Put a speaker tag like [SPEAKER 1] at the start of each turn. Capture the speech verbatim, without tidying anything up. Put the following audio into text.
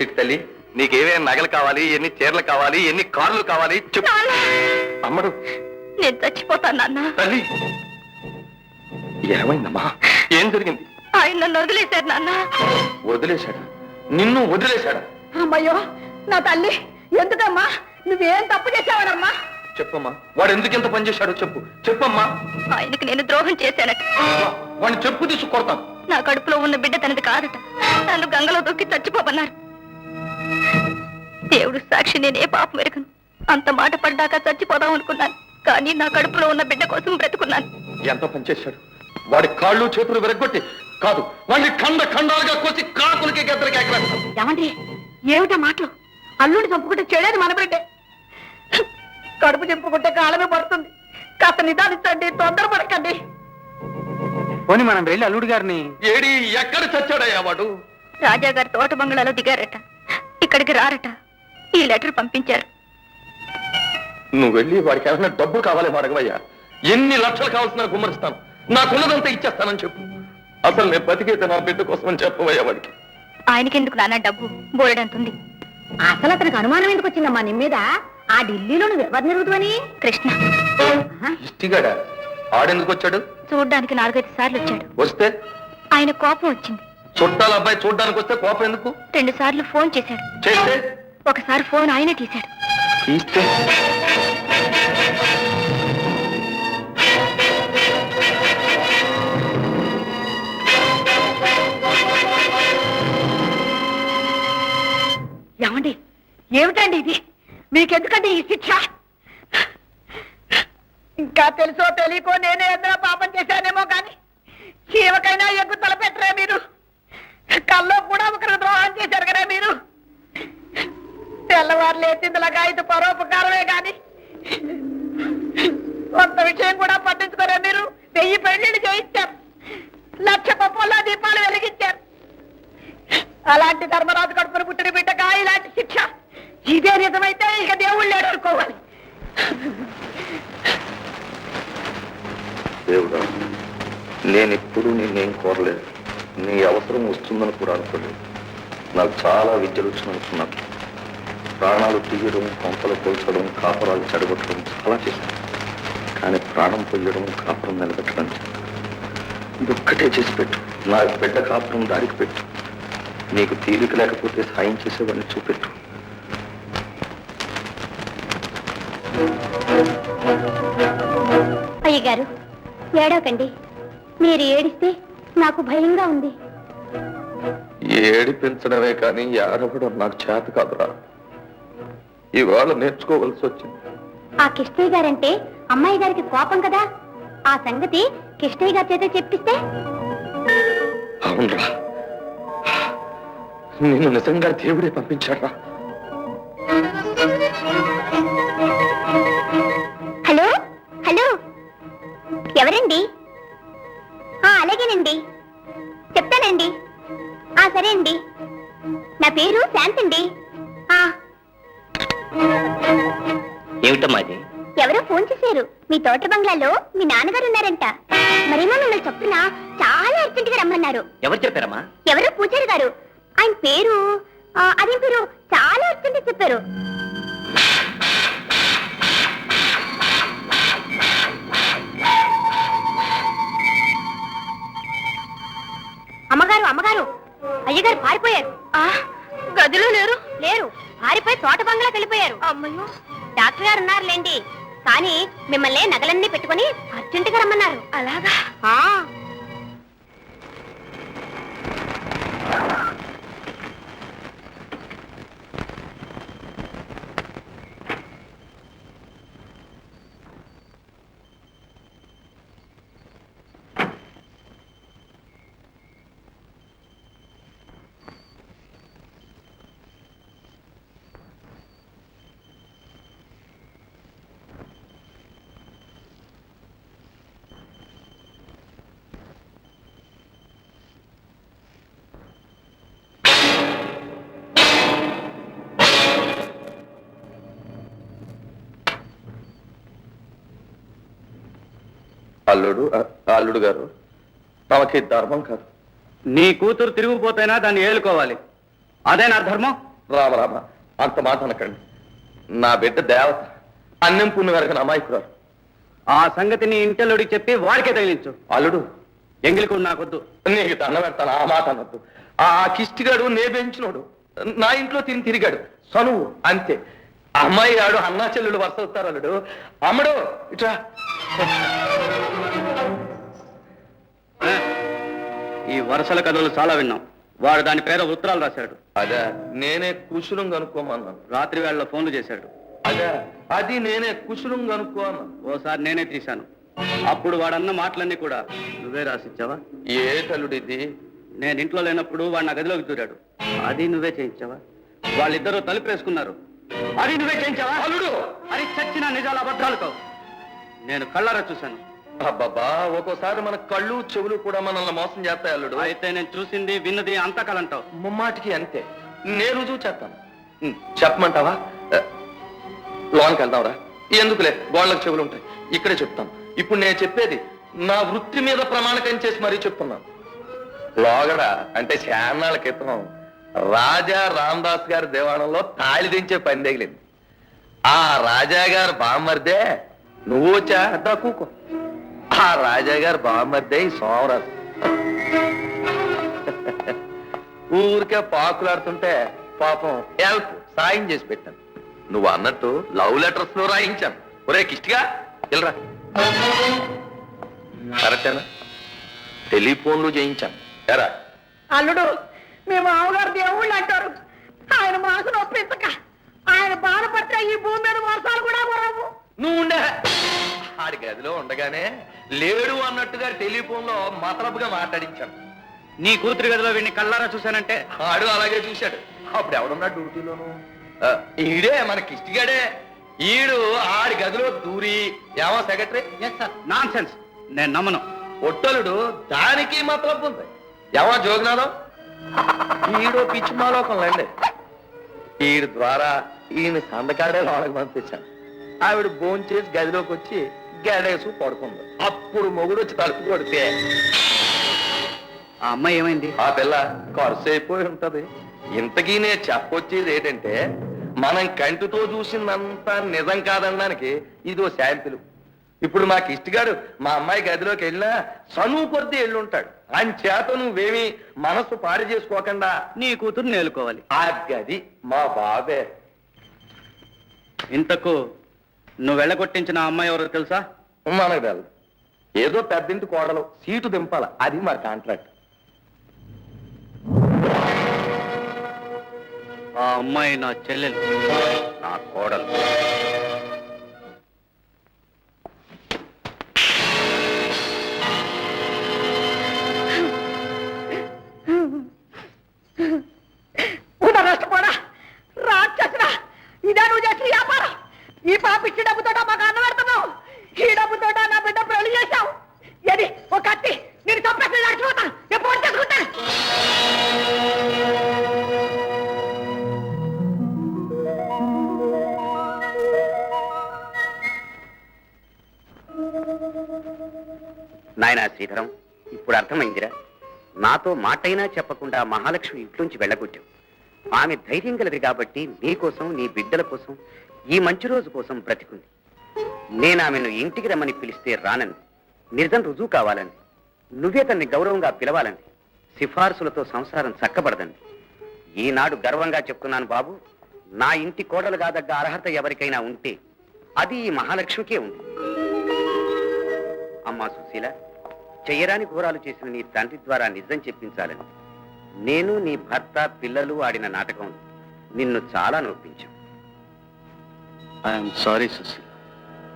[SPEAKER 1] చిట్టి తల్లి, నీకేమేమి నగలు కావాలి, ఎన్ని చీరలు కావాలి, ఎన్ని కార్లు కావాలి చెప్పు. అమ్మడు,
[SPEAKER 2] నేను చచ్చిపోతాను నాన్న.
[SPEAKER 1] తల్లి ఏమైందమ్మా? ఏం జరిగింది?
[SPEAKER 2] ఆయన నన్ను వదిలేశారు నాన్న.
[SPEAKER 1] వదిలేశాడా? నిన్ను వదిలేశాడా?
[SPEAKER 2] అమ్మయ్యో నా తల్లి, ఎందుకమ్మా? నువ్వేం తప్పు చేసావనమ్మా?
[SPEAKER 1] చెప్పమ్మా, వాడు ఎందుకు ఎంత పని చేశాడో చెప్పు. చెప్పమ్మా.
[SPEAKER 2] ఆయనకి నేను ద్రోహం చేశానట.
[SPEAKER 1] వాడిని చెప్పు తీసు కొడతాను.
[SPEAKER 2] నా కడుపులో ఉన్న బిడ్డ తనది కాదట. నన్ను గంగలో దొక్కి చచ్చిపోమన్నారు. దేవుడు సాక్షి, నేనే పాపం ఎరగను. అంత మాట పడ్డాక చచ్చిపోదాం అనుకున్నాను, కానీ నా కడుపులో ఉన్న బిడ్డ కోసం బ్రతుకున్నాను.
[SPEAKER 1] ఎంత పని చేశాడు? వాడి కాళ్ళు చేతులు విరగొట్టి కాదు, వాడిని ఖండ ఖండాలుగా కోసి కాకులకి గద్దరికి ఎగరేస్తాను.
[SPEAKER 2] ఏమండి, ఏమిటా మాటలు? అల్లుడిని చంపుకుంటే చెడేది మన బిడ్డే. కడుపు చెప్పుకుంటే కాలమే పడుతుంది. కాస్త నిదానించండి, తొందరపడకండి.
[SPEAKER 3] పోనీ మనం వెళ్ళి అల్లుడు గారిని.
[SPEAKER 1] ఏడి ఎక్కడ చచ్చాడయ్యా వాడు?
[SPEAKER 2] రాజాగారి తోట బంగ్లాలో దిగారట, ఇక్కడికి రారట. ఈ లెటర్ పంపించారు.
[SPEAKER 1] నువ్వు వెళ్ళి వాడికి ఏమైనా డబ్బు కావాలి అడగవయ్యా. ఎన్ని లక్షలు కావాల్సిన గుమ్మరిస్తాను, నాకున్నదంతా ఇచ్చేస్తానని చెప్పు. అసలు నేను బతికైతే నా బిడ్డ కోసం అని చెప్పవయ్యా వాడికి.
[SPEAKER 2] ఆయనకెందుకు నాన్న డబ్బు? బోలెడంతుంది.
[SPEAKER 4] అసలు అతనికి అనుమానం ఎందుకు వచ్చిందమ్మా నీ మీద? ఆ ఢిల్లీలో నువ్వు ఎవరు నిరుగుతావని?
[SPEAKER 2] కృష్ణ.
[SPEAKER 1] ఇష్టిగాడా? ఆడెందుకు వచ్చాడు?
[SPEAKER 2] చూడ్డానికి నాలుగైదు సార్లు వచ్చాడు.
[SPEAKER 1] వస్తే
[SPEAKER 2] ఆయన కోపం వచ్చింది.
[SPEAKER 1] చుట్టాల అబ్బాయి చూడ్డానికి వస్తే కోపం ఎందుకు?
[SPEAKER 2] రెండు సార్లు ఫోన్ చేశాడు.
[SPEAKER 1] చేస్తే
[SPEAKER 2] ఒకసారి ఫోన్ ఆయనే తీశాడు.
[SPEAKER 1] తీస్తే
[SPEAKER 2] ఏమండి, ఏమిటండి ఇది? మీకెందుకండి ఈ శిక్ష? ఇంకా తెలుసో తెలియకో నేనే ఏదైనా పాపం చేశానేమో కానీ చీవకైనా ఎగ్గు తలపెట్టరే మీరు. కల్లో కూడా ఒకరికి ద్రోహం చేశారు కదా మీరు. తెల్లవారు లేచిందిలాగా ఇది పరోపకారమే కానీ కొంత విషయం కూడా పట్టించుకోరే మీరు. వెయ్యి పెళ్లిళ్ళు చేయించారు, లక్ష పప్పుల దీపాలు వెలిగించారు. అలాంటి ధర్మరాజు కడుపును పుట్టిన బిడ్డగా ఇలాంటి శిక్ష. ఇదే నిజమైతే ఇక దేవుళ్ళు లేడు అనుకోవాలి.
[SPEAKER 1] దేవుడా, నేనెప్పుడు నిన్నేం కోరలేదు. నీ అవసరం వస్తుందని కూడా అనుకోలేదు. నాకు చాలా విద్యలు వచ్చిననుకున్నాను. ప్రాణాలు తీయడం, కొంపలు పోల్చడం, కాపురాలు చెడగొట్టడం చాలా చేశాను. కానీ ప్రాణం పొయ్యడం, కాపురం నిలబెట్టడం ఇదొక్కటే చేసి పెట్టు. నా బిడ్డ కాపురం దారికి పెట్టు. నీకు తీరిక లేకపోతే సాయం చేసేవాడిని చూపెట్టు.
[SPEAKER 4] అయ్యగారు, ఏడవకండి. మీరు ఏడిస్తే నాకు భయంగా ఉంది.
[SPEAKER 1] ఏడిపించడమే కానీ ఏడవడం నాకు చేత కాదురా. ఇవాళ నేర్చుకోవలసి వచ్చింది.
[SPEAKER 4] ఆ కిష్టయ్య గారంటే అమ్మాయి గారికి కోపం కదా. ఆ సంగతి కిష్టయ్య గారి చేత చెప్పిస్తే?
[SPEAKER 1] అవునరా, నిన్ను నిజంగా దేవుడే పంపించాడా?
[SPEAKER 4] హలో హలో, ఎవరండి? అలాగేనండి, చెప్తానండి. ఆ సరే అండి, నా పేరు శాంతండి.
[SPEAKER 3] ఏమిటమ్మా ఇది?
[SPEAKER 4] ఎవరో ఫోన్ చేశారు. మీ తోట బంగ్లాలో మీ నాన్నగారు ఉన్నారంట. మరేమో మిమ్మల్ని చొప్పున చాలా అర్జెంట్ గా రమ్మన్నారు.
[SPEAKER 3] ఎవరు చెప్పారమ్మా?
[SPEAKER 4] ఎవరో పూజారి గారు. ఆయన పేరు అదేం పేరు చాలా అర్జెంట్ చెప్పారు. అమ్మగారు అమ్మగారు, అయ్యగారు పారిపోయారు.
[SPEAKER 2] గదిలో లేరు.
[SPEAKER 4] లేరు, పారిపోయి తోట బంగ్లాకి వెళ్ళిపోయారు.
[SPEAKER 2] అమ్మయ్యో,
[SPEAKER 4] డాక్టర్ గారు ఉన్నారులేండి, కానీ మిమ్మల్ని నగలన్నీ పెట్టుకుని అర్జెంటుగా రమ్మన్నారు.
[SPEAKER 2] అలాగా?
[SPEAKER 1] అల్లుడు అల్లుడు గారు, తమకి ధర్మం కాదు.
[SPEAKER 3] నీ కూతురు తిరిగిపోతేనా దాన్ని ఏలుకోవాలి. అదే నా ధర్మం.
[SPEAKER 1] రామ రామ అంత మాట అనకండి. నా బిడ్డ దేవత, అన్నం పుణ్య వరకు అమాయకురాలు.
[SPEAKER 3] ఆ సంగతి నీ ఇంటల్లుడికి చెప్పి వాడికే తగిలించు.
[SPEAKER 1] అల్లుడు,
[SPEAKER 3] ఎంగిలికు నాకొద్దు.
[SPEAKER 1] నీకు దండ పెడతాను, ఆ మాట అనొద్దు. ఆ కిష్టిగాడు నే పెంచినోడు, నా ఇంట్లో తిని తిరిగాడు, సనువు అంతే. అమ్మాయి ఆడు అన్నా చెల్లెలు వరుస అవుతారు. అల్లుడు, అమ్మడు ఇట్రా.
[SPEAKER 3] ఈ వరుసల కథలు చాలా విన్నాం. వాడు దాని పేర ఉత్తరాలు రాశాడు.
[SPEAKER 1] అదే నేనే కుశలం కనుక్కోమన్నాను.
[SPEAKER 3] రాత్రి వేళలో ఫోన్లు చేశాడు.
[SPEAKER 1] అదే అది నేనే కుశలం కనుక్కో అన్నాను.
[SPEAKER 3] ఓసారి నేనే తీశాను. అప్పుడు వాడన్న మాటలన్నీ కూడా నువ్వే రాసిచ్చావా?
[SPEAKER 1] ఏ తల్లుడు ఇది?
[SPEAKER 3] నేను ఇంట్లో లేనప్పుడు వాడు నా గదిలోకి దూరాడు. అది నువ్వే చేయించావా? వాళ్ళిద్దరూ తలుపు వేసుకున్నారు. అది నువ్వే చేయించావా?
[SPEAKER 1] అల్లుడు,
[SPEAKER 3] అది చచ్చిన నిజాల అబద్ధాలు కావు. నేను కళ్ళారా చూశాను.
[SPEAKER 1] అబ్బాబా, ఒక్కోసారి మన కళ్ళు చెవులు కూడా మనల్ని మోసం చేస్తాయి అల్లుడు.
[SPEAKER 3] అయితే నేను చూసింది విన్నది అంతా కలంటావు.
[SPEAKER 1] ముమ్మాటికి అంతే. నేను రుజువు చేస్తాను. ఉం, చెప్పమంటావా? ఆ, లోనికి వెళ్దాంరా. ఎందుకులే, గోళ్ళకు చెవులు ఉంటాయి. ఇక్కడే చెప్తాను. ఇప్పుడు నేను చెప్పేది నా వృత్తి మీద ప్రమాణకం చేసి మరీ చెప్తున్నాను. లోగడ అంటే శానాళ్ళ క్రితం రాజా రామదాస్ గారి దేవాలయంలో తాళి దించే పని తగిలింది. ఆ రాజా గారు బామ్మర్దే నువ్వు వచ్చా దా కూకో. ఆ రాజా గారు బామ్మర్దే ఈ సోమరాజు. ఊరికే పాకులాడుతుంటే పాపం హెల్ప్ సాయం చేసి పెట్టాను. నువ్వు అన్నట్టు లవ్ లెటర్స్ లో రాయించాను. ఒరే కిష్టిగా వెళ్ళరా. కరెక్టేనా? టెలిఫోన్లు చేయించాను. ఎరా
[SPEAKER 2] అల్లుడు, మీ మామగారు దేవుళ్ళు అంటారు. ఆయన మనసు నొప్పించక ఆయన బాధపడితే ఈ భూమి మీద వర్షాలు కూడా పడవు.
[SPEAKER 1] నువ్వు ఉండే ఆడి గదిలో ఉండగానే లేడు అన్నట్టుగా టెలిఫోన్ లో మతలబుగా మాట్లాడించాను.
[SPEAKER 3] నీ కూతురు గదిలో వీడిని కళ్ళారా చూశానంటే
[SPEAKER 1] ఆడు అలాగే చూశాడు. అప్పుడు ఎవడున్నాడు డ్యూటీలోను? ఆ, ఈడే మన కిష్టిగాడే. ఈడు ఆడి గదిలో దూరి ఏమో సెక్రటరీ
[SPEAKER 3] నాన్ సెన్స్. నేను నమ్మను.
[SPEAKER 1] ఒట్టలుడు దానికి మతలబు ఉంది. ఏమో జోగినాథం, ఈడు పిచ్చిమాలోకంలండి. ఈడు ద్వారా ఈయన సందకాడే లోనకి పంపించాను. ఆవిడ భోంచేసి గదిలోకి వచ్చి గడేసు పడుకుంది. అప్పుడు మొగుడు వచ్చి తలుపు కొడితే
[SPEAKER 3] ఆ అమ్మాయి ఏమైంది?
[SPEAKER 1] ఆ పిల్ల ఖర్చు అయిపోయి ఉంటది. ఇంతకీ నేను చెప్పొచ్చేది ఏంటంటే, మనం కంటితో చూసిందంతా నిజం కాదనడానికి ఇదో శాంపిల్. ఇప్పుడు మాకు ఇష్టగాడు మా అమ్మాయి గదిలోకి వెళ్ళినా సనువు కొద్దీ వెళ్ళుంటాడు. ఆయన చేత నువ్వేమి మనసు పాడు చేసుకోకుండా
[SPEAKER 3] నీ కూతురు నేలుకోవాలి.
[SPEAKER 1] ఆ గది మా బాబే.
[SPEAKER 3] ఇంతకు నువ్వు వెళ్ళగొట్టించిన ఆ అమ్మాయి ఎవరో తెలుసా?
[SPEAKER 1] మనకు తెలదు. ఏదో పెద్దింటి కోడలు సీటు దింపాల, అది మా కాంట్రాక్ట్.
[SPEAKER 3] ఆ అమ్మాయి నా చెల్లెలు,
[SPEAKER 1] నా కోడలు.
[SPEAKER 2] నష్టపోడా రాక్షసుడా, ఇదే నువ్వు చేసిన వ్యాపారం. ఈ పాపిచ్చి డబ్బుతో మాకు అన్న పెడుతున్నావు. ఈ డబ్బుతో నా బిడ్డ పెళ్లి చేశావు. ఏది ఒక కత్తి నేను తప్పేసి నడిచిపోతాను. ఎప్పుడు చేసుకుంటాను.
[SPEAKER 5] నాయనా శ్రీధరం, ఇప్పుడు అర్థమైందిరా. నాతో మాటైనా చెప్పకుండా మహాలక్ష్మి ఇంట్లోంచి వెళ్ళగొట్టావు. ఆమె ధైర్యం గలది కాబట్టి నీ కోసం, నీ బిడ్డల కోసం, ఈ మంచి రోజు కోసం బ్రతికుంది. నేను ఆమెను ఇంటికి రమ్మని పిలిస్తే రానంది. నిజం రుజువు కావాలండి. నువ్వే తన్ని గౌరవంగా పిలవాలండి. సిఫార్సులతో సంసారం చక్కబడదండి. ఈనాడు గర్వంగా చెప్తున్నాను బాబు, నా ఇంటి కోడలు కాదగ్గ అర్హత ఎవరికైనా ఉంటే అది ఈ మహాలక్ష్మికే ఉంది. అమ్మా సుశీల, చెయ్యరాని ఘోరాలు చేసిన నీ తండ్రి ద్వారా నిజం చెప్పించాలని నేను, నీ భర్త, పిల్లలు ఆడిన నాటకం నిన్ను చాలా నొప్పించాం.
[SPEAKER 3] I'm sorry Susheela.